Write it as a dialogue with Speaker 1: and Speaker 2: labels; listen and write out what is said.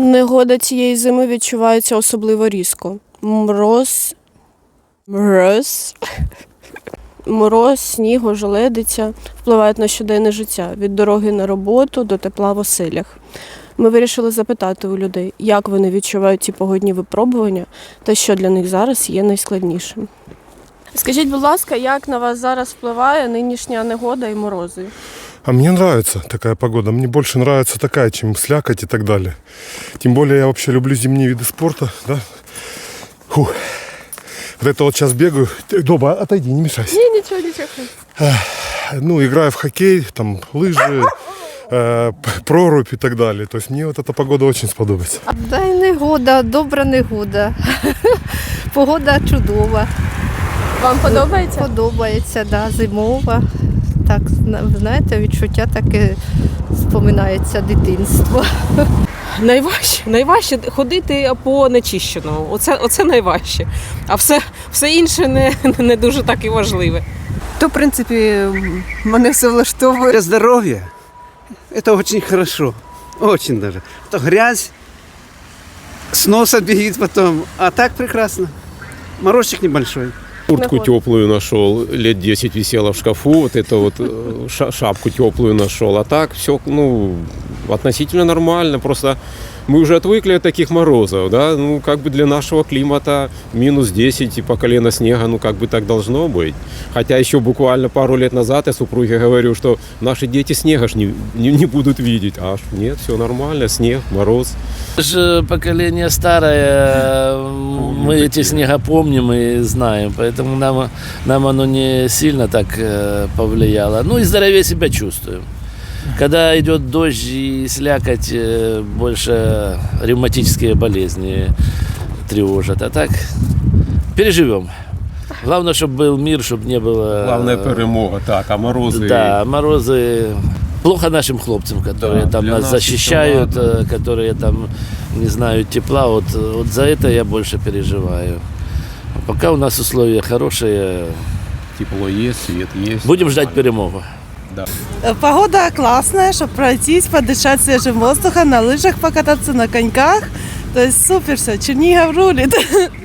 Speaker 1: Негода цієї зими відчувається особливо різко. Мороз, сніг, ожеледиця впливають на щоденне життя від дороги на роботу до тепла в оселях. Ми вирішили запитати у людей, як вони відчувають ці погодні випробування та що для них зараз є найскладнішим. Скажіть, будь ласка, як на вас зараз впливає нинішня негода і морози?
Speaker 2: А мне нравится такая погода. Мне больше нравится такая, чем слякоть и так далее. Тем более я вообще люблю зимние виды спорта. Да? Фух. Вот это вот сейчас бегаю. Доба, отойди, не мешайся.
Speaker 1: Ні, нічого.
Speaker 2: Ну, играю в хоккей, там, лыжи, прорубь и так далее. То есть мне вот эта погода очень сподобается.
Speaker 3: Да й негода, добра негода. Погода чудова.
Speaker 1: Вам подобається?
Speaker 3: Подобається, да, зимова. Так, знаєте, відчуття таке споминається дитинство.
Speaker 4: Найважче ходити по нечищеному. Оце найважче. А все інше не дуже так і важливе.
Speaker 5: То, в принципі, мене все влаштовує.
Speaker 6: Для здоровья это очень хорошо, очень даже. То грязь с носа бегит потом, а так прекрасно. Морозчик небольшой.
Speaker 7: Куртку теплую нашел, лет 10 висела в шкафу, вот это вот шапку теплую нашел. А так все, относительно нормально. Просто мы уже отвыкли от таких морозов, да, как бы для нашего климата минус 10 и по колено снега, как бы так должно быть. Хотя еще буквально пару лет назад я супруге говорю, что наши дети снега ж не будут видеть. Аж нет, все нормально, снег, мороз.
Speaker 8: Же поколение старое, мы эти снега помним и знаем, поэтому нам оно не сильно так повлияло. Ну и здоровее себя чувствуем. Когда идет дождь и слякоть, больше ревматические болезни тревожат. А так переживем. Главное, чтобы был мир, чтобы не было...
Speaker 7: Главная перемога, так, а морозы...
Speaker 8: Да, морозы... Плохо нашим хлопцам, которые там нас защищают, которые там не знают тепла. Вот за это я больше переживаю. Пока у нас условия хорошие.
Speaker 7: Тепло есть, свет есть.
Speaker 8: Будем ждать перемогу.
Speaker 7: Да.
Speaker 9: Погода классная, чтобы пройтись, подышать свежим воздухом, на лыжах покататься, на коньках. То есть супер все, Чернигов рулит.